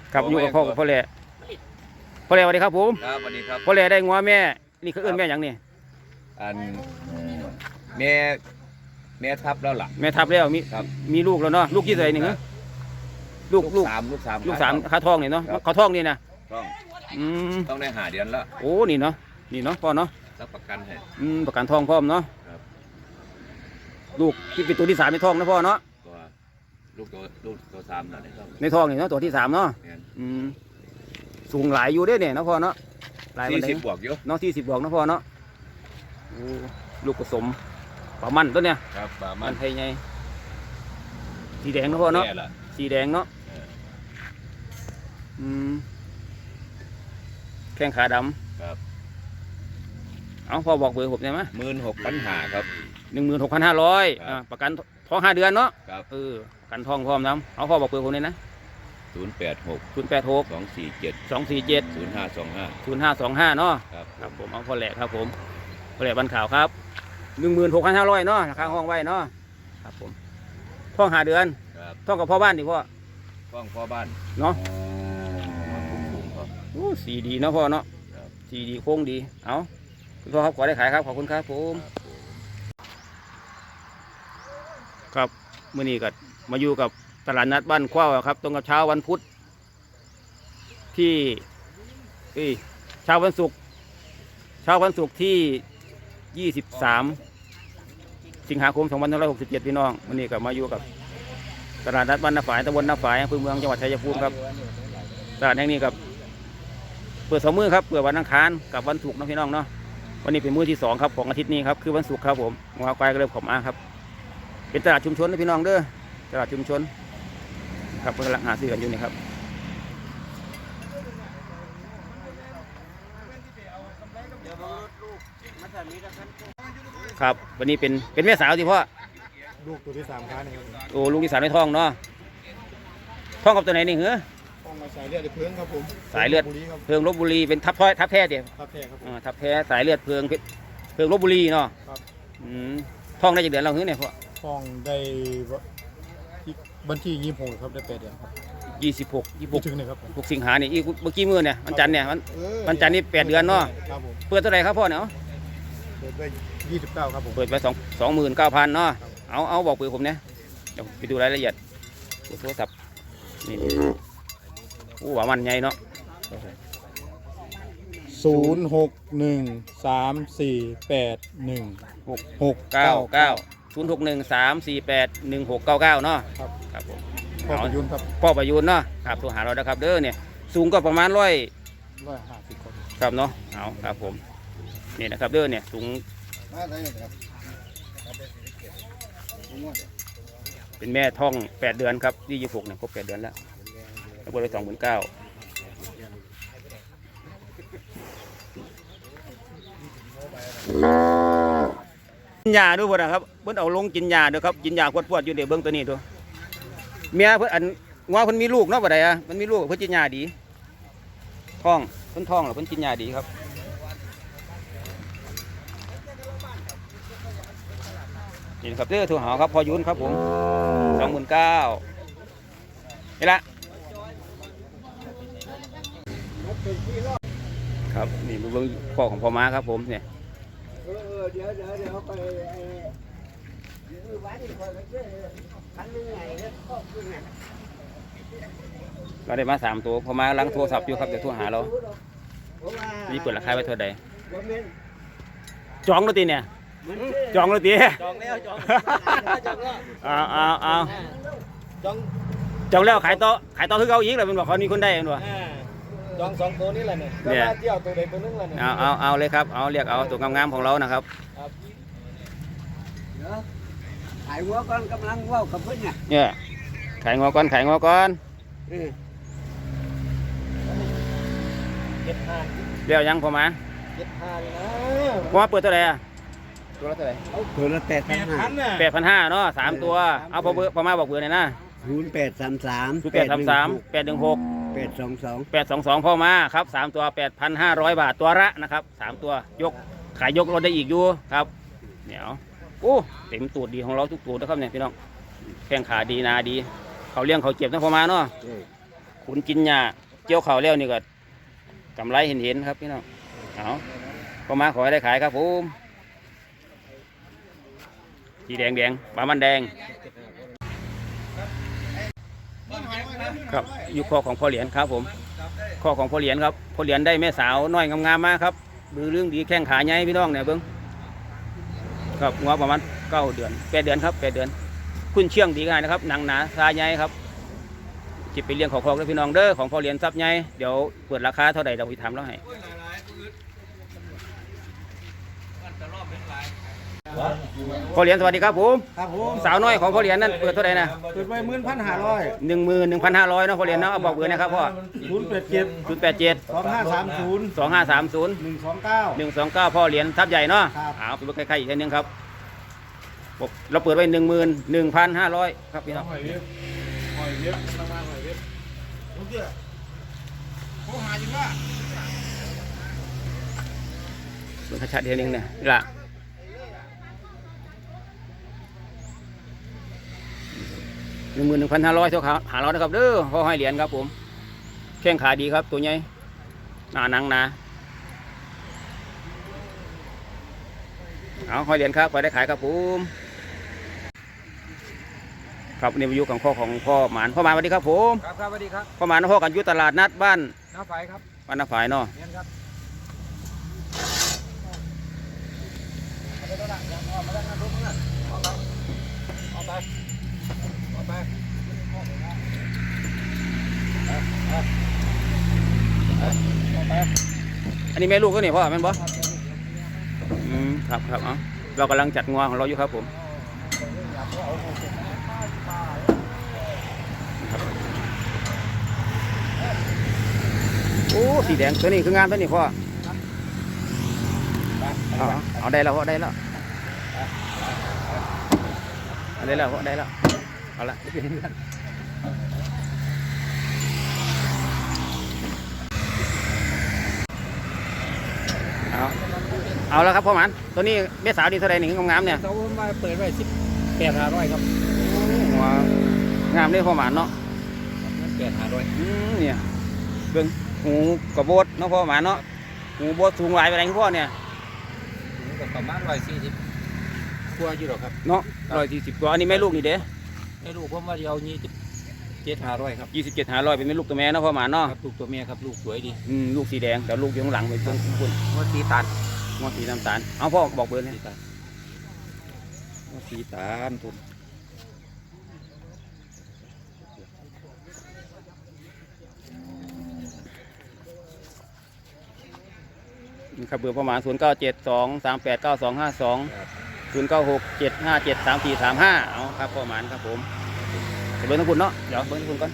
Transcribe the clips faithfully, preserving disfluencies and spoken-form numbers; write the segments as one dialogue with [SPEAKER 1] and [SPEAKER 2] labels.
[SPEAKER 1] ครับอยู่กับพ่อกับพ่อแหล่พ่อแหล่สวัสดีครับผม
[SPEAKER 2] ครับสวัสดีครับ
[SPEAKER 1] พ่อแหล่ได้งัวแม่นี่คือเอื้นแม่อย่างนี้
[SPEAKER 2] อันแม่แม่ทับแล้วล่ะ
[SPEAKER 1] แม่ทับแล้วมี
[SPEAKER 2] ครับ
[SPEAKER 1] มีลูกแล้วเนาะลูกกี่ตัวนี่เหรอลูกลูก
[SPEAKER 2] สามลูกสาม
[SPEAKER 1] ลูกสาม
[SPEAKER 2] ครับ
[SPEAKER 1] ขาทองนี่เนาะ
[SPEAKER 2] ครับ
[SPEAKER 1] ขาทองนี่นะ
[SPEAKER 2] ต้อง
[SPEAKER 1] อืม
[SPEAKER 2] ต้องได้หาเดือนละ
[SPEAKER 1] โอ้นี่เนาะนี่เนาะพ่อเนาะ
[SPEAKER 2] รับประกันให้
[SPEAKER 1] อืมประกันทองพร้อมเนาะ
[SPEAKER 2] ครับ
[SPEAKER 1] ลูกที่เป็นตัวที่สามในท้องนะพ่อเนาะ
[SPEAKER 2] ตัวลูกตัวลูกตัวสามแล้วในท้อง
[SPEAKER 1] ในท้องนี่เนาะตัวที่สามเนาะ
[SPEAKER 2] เนี่ย
[SPEAKER 1] อืมสูงหลายอยู่เด้เนี่ยเนาะพ่อเนาะหลาย
[SPEAKER 2] สี่
[SPEAKER 1] วันไหน
[SPEAKER 2] สิบบวกอยู่
[SPEAKER 1] เนาะที่สิบบวกเนาะพ่อเนาะโอ้ลูกผสมปลามันตัวเนี่ย
[SPEAKER 2] ครับปลามั
[SPEAKER 1] มัน นไทยไงสีแดงเนาะพ่อเนาะ
[SPEAKER 2] แม่ล่ะ
[SPEAKER 1] สีแดงเนาะ
[SPEAKER 2] เออ
[SPEAKER 1] อืมแข้งขาด
[SPEAKER 2] ครับ
[SPEAKER 1] ำเอาพ่อบอกเบอร์ผมได้ไหม
[SPEAKER 2] หมื่นหกพันหาครับ
[SPEAKER 1] หนึ่งหมื่นหกพันห้าร้อย
[SPEAKER 2] ครับ
[SPEAKER 1] ประกันท้องห้าเดือนเนาะ
[SPEAKER 2] ครับ
[SPEAKER 1] เออประกันท้องพร้อมน้ำเอาพ่อบอกเบอร์ผมเลยนะ
[SPEAKER 2] ศูนย์แปดหก
[SPEAKER 1] ศูนย์แปดหก
[SPEAKER 2] สองสี่เจ็ด
[SPEAKER 1] สองสี่เจ็ด
[SPEAKER 2] ศูนย์ห้าสองห้า
[SPEAKER 1] ศูนย์ห้าสองห้าเนาะ
[SPEAKER 2] ครับ
[SPEAKER 1] ครับผมเอาพ่อแหลกครับผมพ่อแหลกบันข่าวครับหนึ่งหมื่นหกพันห้าร้อยเนาะราคาห้องไว้เนาะครับผมท้องห้าเดือน
[SPEAKER 2] ครับ
[SPEAKER 1] ท้องกับพ่อบ้านดิพ่อ
[SPEAKER 2] ฟ้องพ่อบ้าน
[SPEAKER 1] เนาะ
[SPEAKER 2] สูงๆครับ
[SPEAKER 1] โอ้สีดีเนาะพ่อเนาะ
[SPEAKER 2] ครับ
[SPEAKER 1] สีดีโค้งดีเอาคุณพ่อครับขอได้ขายครับขอบคุณครับผมครับมื่อนี้ก็มาอยู่กับตลาดนัดบ้านขว้าวครับตรงกับเช้าวันพุธที่เอ้ยเช้าวันศุกร์เช้าวันศุกร์ที่ยี่สิบสามสิงหาคมสองพันห้าร้อยหกสิบเจ็ดพี่น้องมื่อนี้ก็มาอยู่กับตลาดนัดบ้านนาฝายตำบลนาฝายอำเภอเมืองจังหวัดชัยภูมิครับตลาดแห่งนี้กับเปิดสองมื้อครับเปิดวันอังคารกับวันศุกร์นะพี่น้องเนาะวันนี้เป็นมื้อที่สองครับของอาทิตย์นี้ครับคือวันศุกร์ครับผมงาควายก็เริ่มขมมาครับเป็นตลาดชุมชนนะพี่น้องเด้อตลาดชุมชนครับกำลังหาซื้อกันอยู่นี่ครับครับวันนี้เป็นเป็นแม่สาวสิพ่อ
[SPEAKER 3] ลูกตัวที่สามค้านี่ครับ
[SPEAKER 1] โอ้ลูกที่สามในท้องเนาะท้องกับตัวไหนนี่เหรอ
[SPEAKER 3] ต้องมาสายเลือดในเพื้งครับผม
[SPEAKER 1] สายเลือด
[SPEAKER 3] บุรีครับ
[SPEAKER 1] เพิงลบบุรีเป็นทับท้อยทับแท้เดียว
[SPEAKER 3] ครับแท้ครับผม
[SPEAKER 1] ทับแท้สายเลือดเพิงเพิงลบบุรีเนาะ
[SPEAKER 3] ครับ
[SPEAKER 1] อืมท้องได้จากเดือนเราเหรอเนี่ยพ่อ
[SPEAKER 3] ฟองได้ที่วันที่ยี่สิบหกครับได้แปดเดือนครับ
[SPEAKER 1] ยี่สิบหกยี่สิบห
[SPEAKER 3] ไม่
[SPEAKER 1] ก
[SPEAKER 3] ถึงเลยครับผม
[SPEAKER 1] หกสิงหาเนี่ยอีกเมื่อกี้มือเนี่ยวันจันทร์เนี่ยวัน
[SPEAKER 3] เออ
[SPEAKER 1] วันจันทร์นี่แปดเดือนเนาะ
[SPEAKER 3] ครับผม
[SPEAKER 1] เปิดเท่าไหร่ครับพ่อเนี่ยเอา
[SPEAKER 3] เปิดไว้ยี่สิบเก้าครับผม
[SPEAKER 1] เปิดไปสองสองหมื่นเก้าพันเนาะเอาเอาบอกเปิดผมเนี่ยเดี๋ยวไปดูรายละเอียดดูโทรศัพท์นี่โอ้หวามันใหญ่เนาะ
[SPEAKER 3] ศูนย์หกหนึ่งสามสี่แปดหนึ่ง
[SPEAKER 1] หก
[SPEAKER 3] หก
[SPEAKER 1] เก้าเก้าศูนย์หกหนึ่งสามสี่แปดหนึ่งหกเก้าเก้าเนาะ
[SPEAKER 3] ครับ
[SPEAKER 1] ครับผม
[SPEAKER 3] พ่อประยุนครับ
[SPEAKER 1] พ่อประยูนเนาะครับโทรหาเรานะครับเด้อเนี่ยสูงก็ประมาณร้อย
[SPEAKER 3] ร้อยห้าสิบคน
[SPEAKER 1] ครับเนาะเอาครับผมนี่นะครับเด้อเนี่ยสูงเป็นแม่ท้องแปดเดือนครับยี่สิบหกเนี่ยครบแปดเดือนแล้วแล้วก็เลยสองหมื่นเก้ากินยาด้วยบ่นะครับเพิ่นเอาลงกินยาด้วยครับกินยาพวดๆอยู่เดี๋ยวเบิ้งตัวนี้ด้วยเมียเพิ่นอันว่าเพิ่นมีลูกเนาะบ่ได้อะมันมีลูกเพิ่นกินยาดีท้องเพิ่นท้องหรอเพิ่นกินยาดีครับนี่นะครับเด้อโทรหาครับพอยุนครับผมสองหมื่นเก้านี่ละครับนี่เบิ้งพ่อของพ่อม้าครับผมเนี่ยเราได้มาสามตัวพอมาล้างโทรศัพท์อยู่ครับเดี๋ยวโทรหาเรานี่เปิดราคาไว้เท่าใดจองแล้วตีเนี่ยจองแล้วตี
[SPEAKER 4] จองแล้วจองจองแล้ว
[SPEAKER 1] เอาเอาเอา
[SPEAKER 4] จอง
[SPEAKER 1] จองแล้วขายต่อขายต่อคือเขาอีกเลยมันบอกเขามีคนได้มันบอก
[SPEAKER 4] อ่าจองสองตัวนี่แหละเนี่ย
[SPEAKER 1] เนี่ย
[SPEAKER 4] แล้วเที่ยวตัวใดตัวนึงแหละเนี่ย
[SPEAKER 1] เอาเอาเอาเลยครับเอาเรียกเอาตัวงามๆของเรานะครับ
[SPEAKER 5] ขายหัวก่อนกำลังว่าวกับเพื่อนไง
[SPEAKER 1] เนี่ยขายงอก่อนขายงอก่อน
[SPEAKER 4] เจ็ดห้า
[SPEAKER 1] เดี๋ยวยังพอมา
[SPEAKER 4] เจ็ดห้าเลยนะ
[SPEAKER 1] พอมาเปิดเท่าไหร่อะตัวละเท่าไหร่
[SPEAKER 5] ตัวละแปด
[SPEAKER 4] แป
[SPEAKER 5] พัน
[SPEAKER 4] ด
[SPEAKER 5] ห้า
[SPEAKER 4] พันน่ะ
[SPEAKER 1] แปดพันห้าเนาะสามตัวเอาพอเบอร์พอมาบอกเบอร์หน่อยนะ
[SPEAKER 5] ศูนย์แปดสามสาม
[SPEAKER 1] ศูนย์แปดสามสามแปดหนึ่งหก
[SPEAKER 5] แปดสองสอง
[SPEAKER 1] แปดสองสองพ่อมาครับสามตัวแปดพันห้าร้อยบาทตัวละนะครับสามตัวยกขายยกรถได้อีกอยู่ครับเดี๋ยวโอ้เต็มตูดดีของเราทุกตัวนะครับเนี่ยพี่น้องแข้งขาดีนาดีเขาเลี้ยงเขาเจ็บนะพ่อมาเนาะโคขุนกินหญ้าเกี่ยวข้าวแล้วนี่ก็กำไรเห็นเห็นๆครับพี่น้องเอาก็มาขอให้ได้ขายครับผมสีแดงแดงปลามันแดงครับอยู่ข้อของพ่อเหรียญครับผมข้อของพ่อเหรียญครับพ่อเหรียญได้แม่สาวน้อยงามๆมาครับดูเรื่องดีแข้งขาใหญ่พี่น้องเนี่ยเบิ้งครับงัวประมาณเก้าเดือนแปดเดือนครับแปดเดือนคุณเชื่องดีกันนะครับหนังหนาซาใหญ่ครับจิบไปเลี้ยงของคอกแล้วพี่น้องเด้อของพ่อเหรียญซับใหญ่เดี๋ยวเปิดราคาเท่าไหร่เราไปถามแล้วให้พ่อเหรียญสวัสดีครับผม
[SPEAKER 5] ครับผม
[SPEAKER 1] สาวน้อยของพ่อเหรียญนั่นเปิดเท่าไหร่นะ
[SPEAKER 5] เปิดไว้หมื่นพันห้าร้อย
[SPEAKER 1] หนึ่งหมื่นหนึ่งพันห้าร้อยเนาะพ่อเหรียญเนาะเอาบอกเบอร์นะครับพ่อ
[SPEAKER 5] ศูนย์แปดเจ็ด
[SPEAKER 1] ศูนย์แปดเจ็ด
[SPEAKER 5] สองห้าสามศูนย์
[SPEAKER 1] สองห้าสามศูนย์
[SPEAKER 5] หนึ่งสองเก้า
[SPEAKER 1] หนึ่งสองเก้าพ่อเหรียญทับใหญ่เนาะ
[SPEAKER 5] ครับ
[SPEAKER 1] เอาไปเบิ่งใกล้ๆอีกทีนึงครับบอกเราเปิดไว้หนึ่งหมื่นหนึ่งพันห้าร้อยครับพี่น้องเบิ่งชัดๆเดียวนึงเนี่ยนี่ล่ะหนึ่งหมื่นหนึ่งพันห้าร้อยเท่าขาหาเรานะครับเด้อพ่อให้เหรียญครับผมแข้งขาดีครับตัวใหญ่หนาหนังหนาเอาให้เหรียญครับไปได้ขายครับผมครับนี่วิวของพ่อของพ่อหมานพ่อหมานสวัสดีครับผม
[SPEAKER 4] ครับครับสวัสดีครับ
[SPEAKER 1] พ่อหมานพ่อกันอยู่ตลาดนัดบ้าน
[SPEAKER 4] น้าไฟครับ
[SPEAKER 1] บ้านนาฝ่ายเนาะ
[SPEAKER 4] เรียนครับเอาไปเอาไป
[SPEAKER 1] อันนี้แม่ลูกก็นี่พ่อแม่นบ่อืมครับครับเอาเรากำลังจัดงัวของเราอยู่ครับผมโอ้สีแดงตัวนี้คืองามตัวนี้พ่อเอาเอาได้แล้วพ่อได้แล้วเอาได้แล้วพ่อได้แล้วเอาละเอาเอาแล้วครับพ่อหมันตัวนี้เม็ดสาวดีเท่าไรหนึ่งงามๆเนี่ย
[SPEAKER 4] เขามาเปิดไว้สิบแปดห้าร้อยครับ
[SPEAKER 1] หัวงามเลยพ่อหมันเนาะ
[SPEAKER 4] แปดห้าร้อย
[SPEAKER 1] อืมเนี่ยเบิ่งหูกระโบดเนาะพ่อหมาเนาะหูโบดสูงหลายไปไหนพ่อเนี่ย
[SPEAKER 4] ประมาณร้อยสี่สิบกว่าอยู่หรอครับ
[SPEAKER 1] เนาะร้อยสี่สิบตัวอันนี้แม่ลูกนี่เด้
[SPEAKER 4] ให้ลูกผมว่าเดียวยี่สิบเจ็ดห้าร้อยครับ
[SPEAKER 1] ยี่สิบเจ็ดหาร้อยเป็นแม่ลูกตัวแม่เนาะพ่อหมาเนาะ
[SPEAKER 4] ครับลูกตัวเมียครับลูกสวยดี
[SPEAKER 1] อืมลูกสีแดงแต่ลูกอยู่ข้างหลังเป็นต้นคุณ
[SPEAKER 4] ว่าสีตัน
[SPEAKER 1] งอสีน้ำตาลเอาพ่อบอกเบอร์เนี่ย
[SPEAKER 4] สีตันว่าสีตันทุน
[SPEAKER 1] ครับเบอร์พ่อหมาศูนย์เก้าเจ็ดสองสามแปดเก้าสองห้าสองศูนย์เก้าหกเจ็ดห้าเจ็ดสามสี่สามห้าเอาครับพ่อหมาครับผมเบอร์ทั้งคุณเนาะเดี๋ยวเบอร์ทั้งคุณก่อน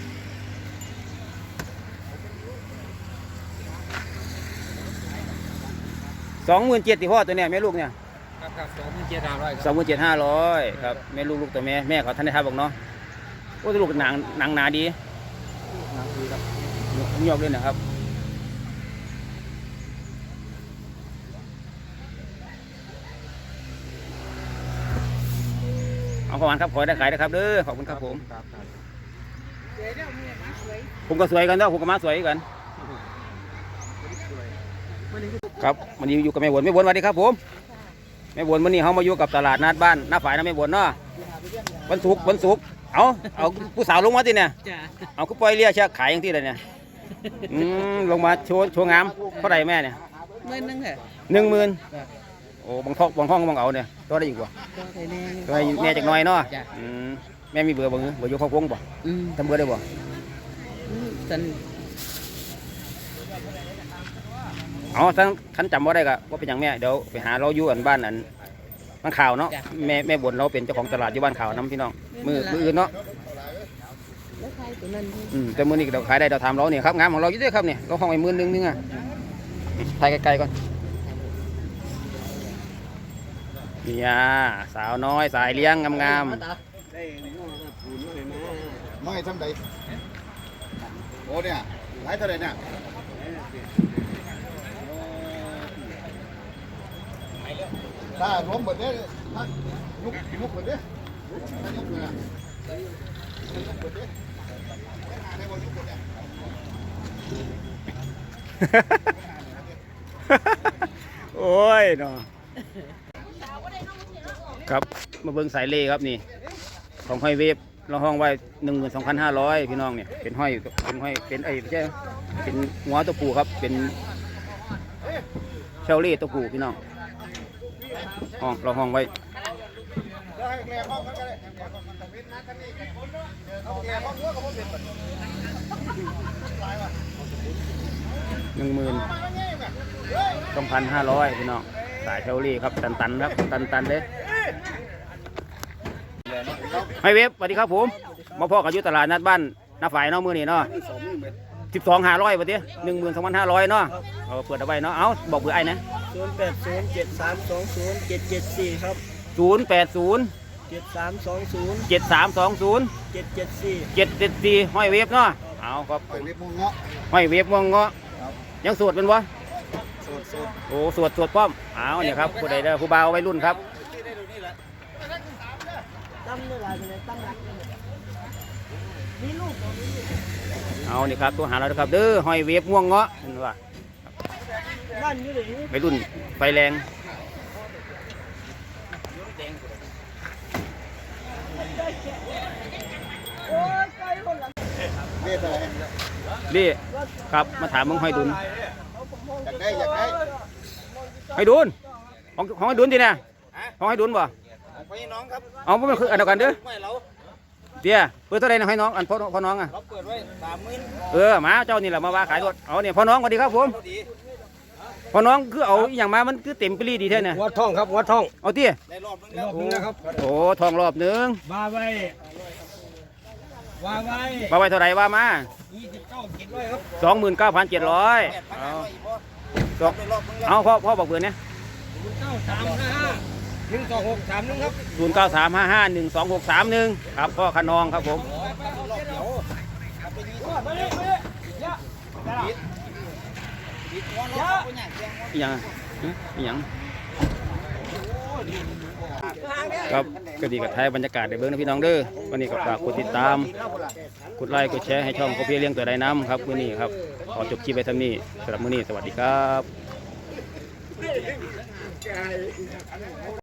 [SPEAKER 1] สองหมื่นเจ็ดที่พ่อตัวเนี้ยแม่ลูกเนี่ย
[SPEAKER 4] ครับครับสองหมื่นเจ็ดห้าร้อยค
[SPEAKER 1] สอ
[SPEAKER 4] รั
[SPEAKER 1] ง
[SPEAKER 4] บ
[SPEAKER 1] หมื่นเจ็ดห้าร้อยครับแม่ลูกลูกตัวแม่แม่เขาท่านได้ทับบอกเนาะโอ้ลูกหนังหนังหนาดี
[SPEAKER 4] หนังดีครับ
[SPEAKER 1] ยกเลยนะครับเอาประมาณครับขอให้ได้ขายนะครับเด้อขอบคุณครับผม
[SPEAKER 4] ครับครับ
[SPEAKER 1] ผมก็สวยกันเนาะผมก็มาสวยกันครับวันนี้อยู่กับแม่บวนแม่บวนสวัสดีครับผมแม่บวนวันนี้เขามาอยู่กับตลาดนัดบ้านหน้าฝ่ายนะแม่บวนเนาะวันศุกร์วันศุกร์เอาเอาผู้สาวลงมาที่เนี่ยเอาก็ปล่อยเรียกเชือกขายอย่างที่เลยเนี่ยอืมลงมาโชว์โชว์งามเท่าไหร่แม่เนี่ย
[SPEAKER 6] หมื่นหนึงเหรอ
[SPEAKER 1] หนึ่งหมื่นโอ้บางท้องบางห้องบางเอาเนี่ยตัวได้อีกว่า
[SPEAKER 6] ตัวไทยแน่
[SPEAKER 1] ตัวให้แม่จากหน้อยเนาะ
[SPEAKER 6] จ้ะ
[SPEAKER 1] อืมแม่มีเบื่อร์บ่เบื่ออยู่ข้าวโพงบ่
[SPEAKER 6] อืม
[SPEAKER 1] ทำเบื่อร์ได้บ่
[SPEAKER 6] อืมสัน
[SPEAKER 1] เอาทั้งขันจำว่าได้ก็ว่าเป็นอย่างแม่เดี๋ยวไปหาเราอยู่อันบ้านอันบ้านข่าวเนาะแม่แม่บนเราเป็นเจ้าของตลาดอยู่บ้านข่าวน้ำพี่น้องมือมืออื่นเนาะ
[SPEAKER 6] แล้วใครตัวนั้นที่
[SPEAKER 1] อืมแต่มือนี้เราขายได้เราทำเราเนี่ยครับงานของเราอยู่ด้วยครับเนี่ยเราห้องไอ้หมื่นหนึงนึงอ่ะถ่ายไกลๆก่อนนี่อ่ะสาวน้อยสายเลี้ยงงาม
[SPEAKER 3] ไม่ทำใดโอ้เนี่ยหลายเท่าไรเนี่ยถ้าล้มหมดเนี่ยถ้าลุกลุกหมดเนี่ยลุกลุกเลยอะลุกหมดเนี่ยให้บอลลุกหมดเนี่ย
[SPEAKER 1] โอ้ยเนาะครับมาเบิ่งสายเล่ครับนี่ของห้อยเวฟเราห้องไว้หนึ่งหมื่นสองพันห้าร้อยพี่น้องเนี่ยเป็นห้อยเป็นห้อยเป็นไอ้ไม่ใช่เป็นหัวตัวผู้ครับเป็นเชลเล่ตัวผู้พี่น้องห้องเราห้องไว้หนึ่งหมื่นสองพันห้าร้อยพี่น้องสายเชลลี่ครับตันตันครับตันตันเลยให้เว็บสวัสดีครับผมมาพ่อกับยุตลาดนัดบ้านน้าฝ่ายเนาะมือนี่เนาะสิบสองห้าร้อยวันนี้หนึ่งหมื่นสองพันห้าร้อยเนาะเอาเปิดเอาไว้เนาะเอาบอกเบอร์ไอ้นะ
[SPEAKER 7] ศูนย์แปดศูนย์เจ็ดสามสองศูนย์เจ็ดเจ็ดสี่ครับ
[SPEAKER 1] ศูนย์แปดศูนย์
[SPEAKER 7] เจ็ดสามสองศูนย์
[SPEAKER 1] เจ็ดสามสองศูนย์
[SPEAKER 7] เจ็ดเจ็ดสี่
[SPEAKER 1] เจ็ดเจ็ดสี่ห้อยเว็บเนาะเอาครับห้อยเว็บมงเงาะห้อยเว็บมงเงาะยังสวดเป็นวะสวดสวดโอ้สวดสวดป้อมเอาเนี่ยครับผู้ใดเด้อผู้บ่าววัยรุ่นครับ
[SPEAKER 7] ตั้มเนื้อลายเป็นไงตั้มรักมีลูก
[SPEAKER 1] เอานี่ครับตัวหาเราครับเด้อหอยเวฟม่วงเงาะเห็นว่า
[SPEAKER 7] บ้านอยู่ไหน
[SPEAKER 1] วัยรุ่นไฟแรงนี่ครับมาถามมึงหอยดุน
[SPEAKER 3] อยากได้อยากได้
[SPEAKER 1] หอยดุนของของหอยดุนทีเนี่ยของหอยดุนบ่
[SPEAKER 4] ไปน้องครับ
[SPEAKER 1] เอาไม่คืออันเดียวกันเด้อ
[SPEAKER 4] ไม่เรา
[SPEAKER 1] เดี๋ยวเปิดเท่าไรนะให้น้องอันพ่อพ่อน้องอ่ะ
[SPEAKER 4] เราเปิดไว้สามหมื่น
[SPEAKER 1] เออมาเจ้านี่แหละมาว่าขายรถเอาเนี่ยพ่อน้องสวัสดีครับผม
[SPEAKER 4] พอดี
[SPEAKER 1] พ่อน้องคือเอาอหย่างมามันคือเต็มปรีดีแท้เนี่ย
[SPEAKER 7] วัดทองครับวัดทอง
[SPEAKER 1] เอาเตี้ย
[SPEAKER 4] ได้รอบนึงแล้ว
[SPEAKER 7] รอบนึงนะครับ
[SPEAKER 1] โอ้ทองรอบหนึ่ง
[SPEAKER 7] ว่าไว้ว่าไว้
[SPEAKER 1] ว่าไว้เท่าไรว่ามา
[SPEAKER 7] ยี่สิบเก้าเจ็ดร้อยครับ
[SPEAKER 1] สองหมื่นเก้าพันเจ็ดร้อย
[SPEAKER 4] แปดพัน
[SPEAKER 1] เอา
[SPEAKER 4] ห้าร้อยอีกพอ
[SPEAKER 1] สอง
[SPEAKER 4] ได้รอบนึงแล้ว
[SPEAKER 1] เอาพ่อพ่อบอกเบอร์เนี่ย
[SPEAKER 7] ศูนย์เก้าสามห้าห้าหนึ่งสองหกสามหนึ่งครับ
[SPEAKER 1] ศูนย์เก้าสามห้าห้าหนึ่งสองหกสามหนึ่งครับพ่อขนองครับผม
[SPEAKER 4] รอบเดียว
[SPEAKER 7] มาเลยมาเลยยะ
[SPEAKER 4] ปิดหัวรอบคนอย่างเดียว
[SPEAKER 1] อหย่างฮะอหย่างครับก็ดีกับไทยบรรยากาศในเบื้องนะพี่น้องเด้อวันนี้ก็ฝากกดติดตามกดไลค์กดแชร์ให้ช่องเขาเพียเลี้ยงตัวใดน้ำครับมื้อนี้ครับขอจบคลิปไปเท่านี้สำหรับมื้อนี้สวัสดีครับ